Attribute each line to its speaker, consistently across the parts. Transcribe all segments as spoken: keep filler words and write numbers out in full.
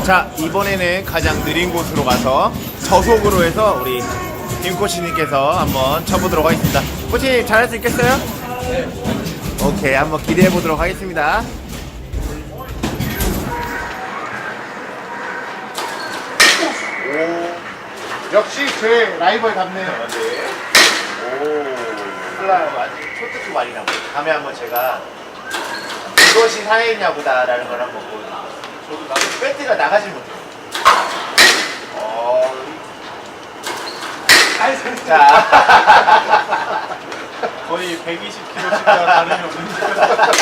Speaker 1: 자, 이번에는 가장 느린 곳으로 가서 저속으로 해서 우리 김 코치님께서 한번 쳐보도록 하겠습니다. 코치님 잘할 수 있겠어요? 네. 오케이, 한번 기대해 보도록 하겠습니다.
Speaker 2: 오, 역시 제 라이벌 같네요.
Speaker 1: 네. 오, 몰라요. 아직 초특급 많이 나고. 다음에 한번 제가 이것이 사회냐보다라는 걸 한번 보여드릴게요. 저도 나도 배트가 나가질 못해요. 어, 자,
Speaker 3: 거의 백이십 킬로그램씩과 다름이 없는.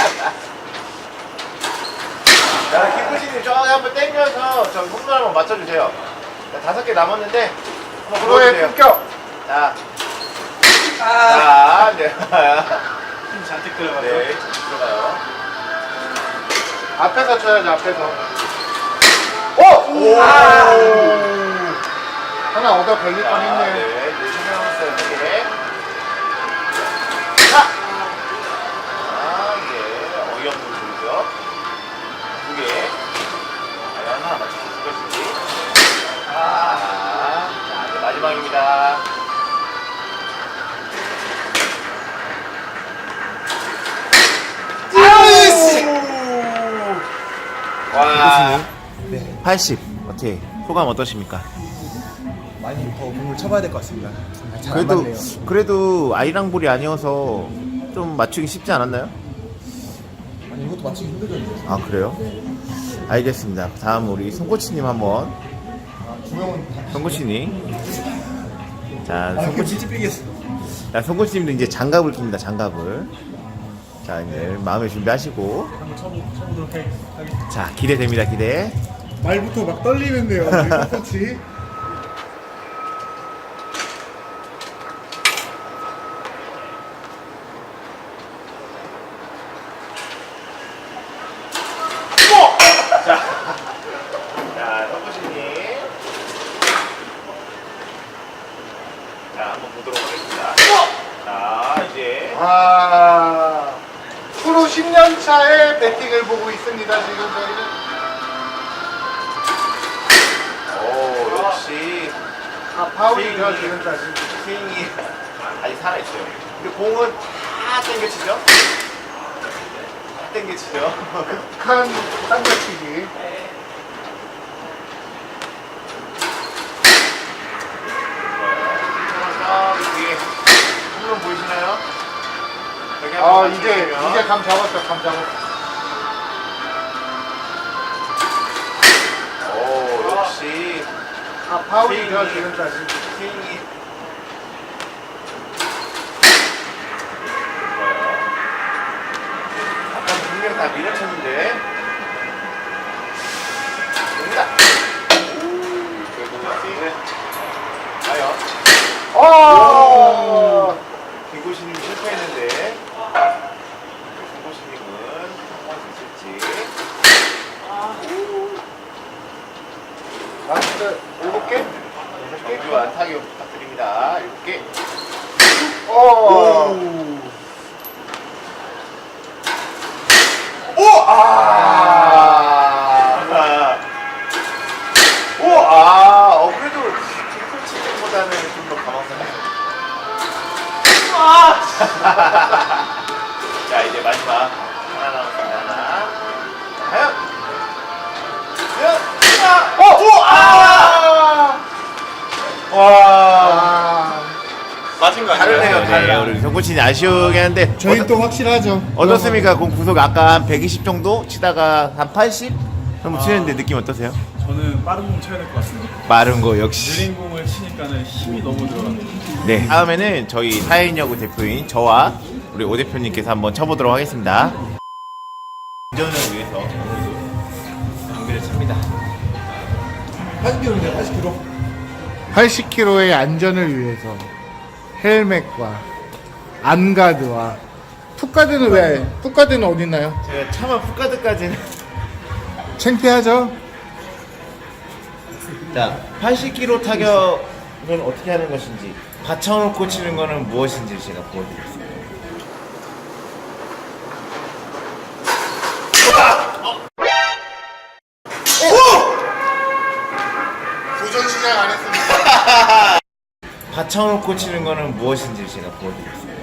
Speaker 1: 자, 김구신님 저기 한번 땡겨서 저 홈런 한번 맞춰주세요. 자, 다섯 개 남았는데 한번
Speaker 2: 프로의
Speaker 1: 보여주세요.
Speaker 2: 품격.
Speaker 1: 자, 자, 네.
Speaker 3: 힘 잔뜩 들어가죠.
Speaker 1: 네, 들어가요.
Speaker 2: 앞에서 쳐야지, 앞에서.
Speaker 1: 오! 오!
Speaker 2: 아! 하나 얻어 걸릴
Speaker 1: 자,
Speaker 2: 뻔
Speaker 1: 네,
Speaker 2: 했네요.
Speaker 1: 네, 신경했어요, 두 개. 자! 아, 네, 어이없는 소리죠. 두 개. 과연 하나 맞출 수 있을 것인지. 아, 자, 이제 마지막입니다. 와, 팔십. 어떻게 소감 어떠십니까?
Speaker 4: 많이 더 공을 쳐봐야 될 것 같습니다. 잘 안
Speaker 1: 그래도
Speaker 4: 맞네요.
Speaker 1: 그래도 아이랑 볼이 아니어서 좀 맞추기 쉽지 않았나요?
Speaker 4: 아니 이것도 맞추기 힘들던데.
Speaker 1: 아 그래요? 알겠습니다. 다음 우리 송코치님 한번.
Speaker 4: 주명은
Speaker 1: 송코치님. 자,
Speaker 4: 아,
Speaker 1: 송코치.
Speaker 4: 진짜 삐겠어.
Speaker 1: 자, 송코치님도 이제 장갑을 낍니다. 장갑을. 자, 이제 마음의 준비하시고.
Speaker 3: 한번 쳐보, 쳐보도록 하겠습니다.
Speaker 1: 자, 기대됩니다. 기대.
Speaker 2: 말부터 막 떨리는데요, 우리 코치.
Speaker 1: 자, 송코치님. 자, 한번 보도록 하겠습니다. 자, 이제.
Speaker 2: 아, 프로 십 년 차의 배팅을 보고 있습니다, 지금 저희는.
Speaker 1: 오, 역시.
Speaker 2: 아, 파울이죠,
Speaker 1: 스윙이-
Speaker 2: 지금까지.
Speaker 1: 스윙이 아직 살아있어요. 근데 공은 다 땡겨치죠? 다 땡겨치죠?
Speaker 2: 극한 땅겨치기.
Speaker 1: 저기 뒤에 홈런 보이시나요? 여기
Speaker 2: 아,
Speaker 1: 한번
Speaker 2: 이제,
Speaker 1: 맞춰주시면.
Speaker 2: 이제 감 잡았어, 감 잡았어.
Speaker 1: 오, 역시
Speaker 2: 아, 파울이죠,
Speaker 1: 스윙이-
Speaker 2: 지금까지.
Speaker 1: 스윙이 아까 분명 다 밀어쳤는데 됩니다. 결국 스윙을 과연
Speaker 2: 어!
Speaker 1: 김고시님이 실패했는데 김고시님은 한번 있을지.
Speaker 2: 라스트 일곱 개?
Speaker 1: 정규 안타기 부탁드립니다. 일곱 개.
Speaker 2: 어!
Speaker 1: 오! 아! 오! 아! 어, 그래도 김코치님보다는 좀 더 가망스럽네요. 아! 자, 이제 마지막 하나 남았습니다. 하나. 과연? 과연? 아! 오! 오! 아! 와.
Speaker 2: 아,
Speaker 3: 맞은 거
Speaker 1: 다르네요.
Speaker 3: 아니에요?
Speaker 1: 네, 우리 경코치님 아쉬우긴 한데
Speaker 2: 저희는
Speaker 1: 어떠-
Speaker 2: 또 확실하죠.
Speaker 1: 어떻습니까? 공 구속 아까 한 백이십 정도 치다가 한 팔십 정도 치는데 느낌 어떠세요?
Speaker 3: 저는 빠른 공 쳐야 될 것 같습니다.
Speaker 1: 마른 거 역시.
Speaker 3: 느린 공을 치니까는 힘이 너무 들어갑니다.
Speaker 1: 네. 다음에는 저희 사회인야구 대표인 저와 우리 오 대표님께서 한번 쳐보도록 하겠습니다. 안전을 위해서 오늘도 경기를 칩니다.
Speaker 4: 팔십 킬로그램인데 팔십 킬로그램.
Speaker 2: 팔십 킬로그램의 안전을 위해서 헬멧과 안가드와 풋가드는 왜? 풋가드는 어디 있나요?
Speaker 1: 제가 차마 풋가드까지는
Speaker 2: 창피하죠?
Speaker 1: 자, 팔십 킬로그램 타격은 어떻게 하는 것인지 받쳐놓고 치는 거는 무엇인지 제가 보여드리겠습니다.
Speaker 2: 도전 시작 안 했습니다.
Speaker 1: 받쳐놓고 치는 거는 무엇인지 제가 보여드리겠습니다.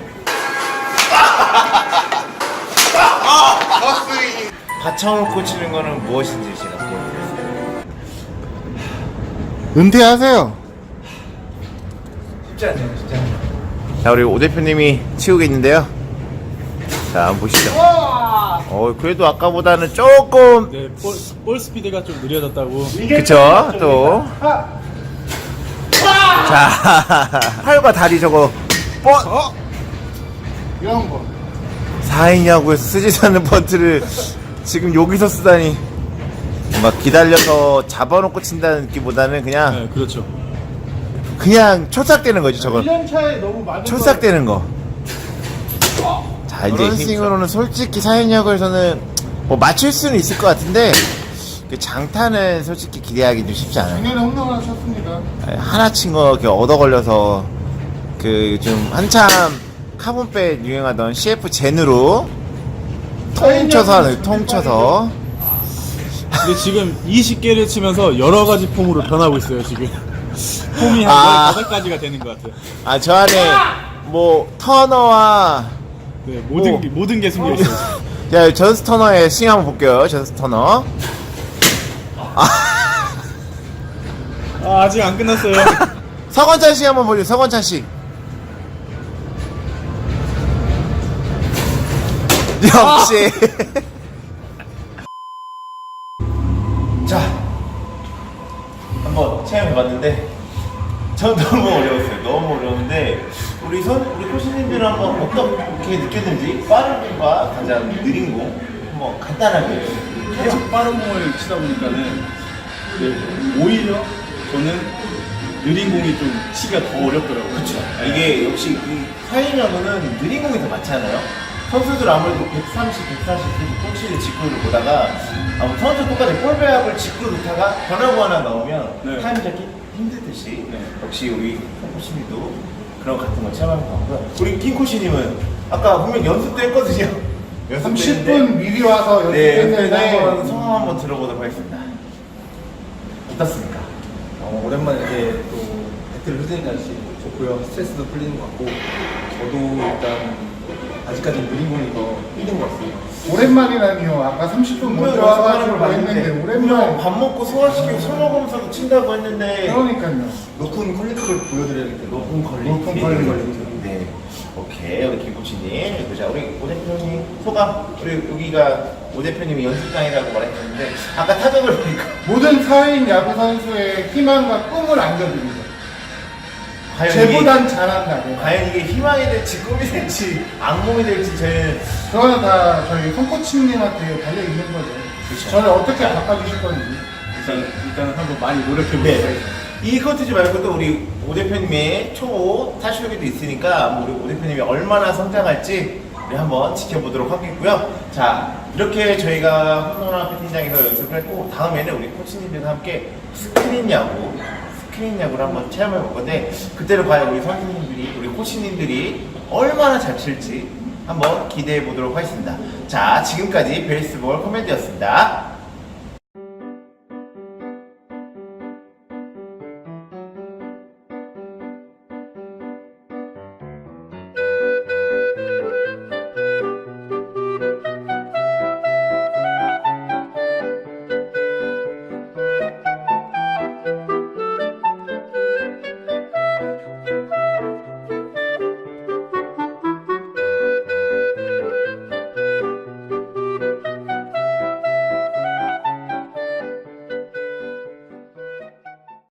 Speaker 2: 허스윙.
Speaker 1: 받쳐놓고 치는 거는 무엇인지 제가 보여드리겠습니다.
Speaker 2: 은퇴하세요.
Speaker 1: 쉽지 않죠, 쉽지 않죠. 자, 우리 오 대표님이 치우고 있는데요. 자, 한번 보시죠. 어, 그래도 아까보다는 조금,
Speaker 3: 네, 볼, 볼 스피드가 좀 느려졌다고.
Speaker 1: 그쵸, 또. 자, 팔과 다리 저거, 뻔!
Speaker 2: 어? 이런 거.
Speaker 1: 사 인 야구에서 쓰지 않는 번트를 지금 여기서 쓰다니. 막 기다려서 잡아놓고 친다는 느낌보다는 그냥,
Speaker 3: 네, 그렇죠.
Speaker 1: 그냥 초삭되는 거죠, 저건.
Speaker 2: 일 년 차에 너무 많은
Speaker 1: 초삭되는 거. 자, 이제 그런 스윙으로는 솔직히 사연역에서는 뭐 맞출 수는 있을 것 같은데 그 장타는 솔직히 기대하기 좀 쉽지 않아요.
Speaker 2: 작년에 홈런 하나 쳤습니다.
Speaker 1: 하나 친 거 이렇게 얻어 걸려서 그 좀 한참 카본백 유행하던 씨에프 젠으로 통쳐서 하는 통쳐서.
Speaker 3: 근데 지금 이십 개를 치면서 여러 가지 폼으로 변하고 있어요, 지금. 폼이 한
Speaker 1: 아.
Speaker 3: 열다섯 가지가 되는 것 같아요.
Speaker 1: 아, 저 안에 뭐 터너와
Speaker 3: 네, 모든,
Speaker 1: 오.
Speaker 3: 게, 모든 게 숨겨 있어요.
Speaker 1: 자, 전스 터너의 스윙 한번 볼게요. 전스 터너. 아,
Speaker 3: 아, 아직 안 끝났어요.
Speaker 1: 서건찬 씨 한번 보죠. 서건찬 씨. 역시. 자, 한번 체험해봤는데 전 너무 어려웠어요. 너무 어려운데 우리 선 우리 코치님들은 한번 어떻게 느꼈는지 빠른 공과 가장 느린 공 한번 간단하게.
Speaker 3: 계속 빠른 공을 치다 보니까는 네, 오히려 저는 느린 공이 좀 치기가 더 어렵더라고요.
Speaker 1: 그렇죠. 이게 역시 이 사인야구는 느린 공이 더 많잖아요. 선수들 아무래도 백삼십, 백사십 코치를 직구를 보다가 아무 선수 똑같이 볼배합을 직구 놓다가 변화구 하나 나오면
Speaker 3: 네.
Speaker 1: 타임 잡기 힘들듯이
Speaker 3: 네.
Speaker 1: 역시 우리 코치님도 그런 같은 걸 체험한 것 같고요. 우리 김 코치님은 아까 분명 연습도 했거든요. 연습도
Speaker 2: 삼십
Speaker 1: 했는데
Speaker 2: 분 미리 와서
Speaker 1: 네,
Speaker 2: 연습했는데
Speaker 1: 한번 성함 한번 들어보도록 하겠습니다. 어떻습니까?
Speaker 4: 어, 오랜만에 이렇게 또 배틀을 흐르니까 좋고요. 스트레스도 풀리는 것 같고 저도 일단 아직까지 느린 공이 더 힘든 것 같습니다.
Speaker 2: 오랜만이라니요. 아까 삼십 분 먼저 와가지고 했는데 오랜만에.
Speaker 1: 밥 먹고 소화시키고 술 먹으면서도 친다고 했는데
Speaker 2: 그러니까요.
Speaker 4: 높은 퀄리티를 보여드려야기 때문에
Speaker 1: 높은 퀄리티.
Speaker 2: 높은 퀄리티.
Speaker 1: 네. 오케이. 우리 김 코치님. 그자 우리 오 대표님 소감. 우리 여기가 오 대표님이 연습장이라고 말했는데 아까 타격을 보니까
Speaker 2: 모든 사인 야구 선수의 희망과 꿈을 안겨드립니다.
Speaker 1: 과연
Speaker 2: 쟤보단 잘한다.
Speaker 1: 이게, 과연 이게 희망이 될지 꿈이 될지 악몽이 될지 저희는
Speaker 2: 그거는 다 저희 손코치님한테 달려 있는 거죠.
Speaker 1: 그쵸.
Speaker 2: 저를 어떻게 바꿔주실 건지.
Speaker 3: 일단, 일단은 한번 많이 노력해보겠습니다.
Speaker 1: 네. 이 컨텐츠 말고도 우리 오 대표님의 초 타슈기도 있으니까 뭐 우리 오 대표님이 얼마나 성장할지 우리 한번 지켜보도록 하겠고요. 자, 이렇게 저희가 홈런왕 배팅장에서 연습을 했고 다음에는 우리 코치님들과 함께 스크린 야구 스크린 야구를 한번 체험해 볼 건데 그때는 과연 우리 선생님들이 우리 코치님들이 얼마나 잘 칠지 한번 기대해 보도록 하겠습니다. 자, 지금까지 베이스볼 코미디였습니다.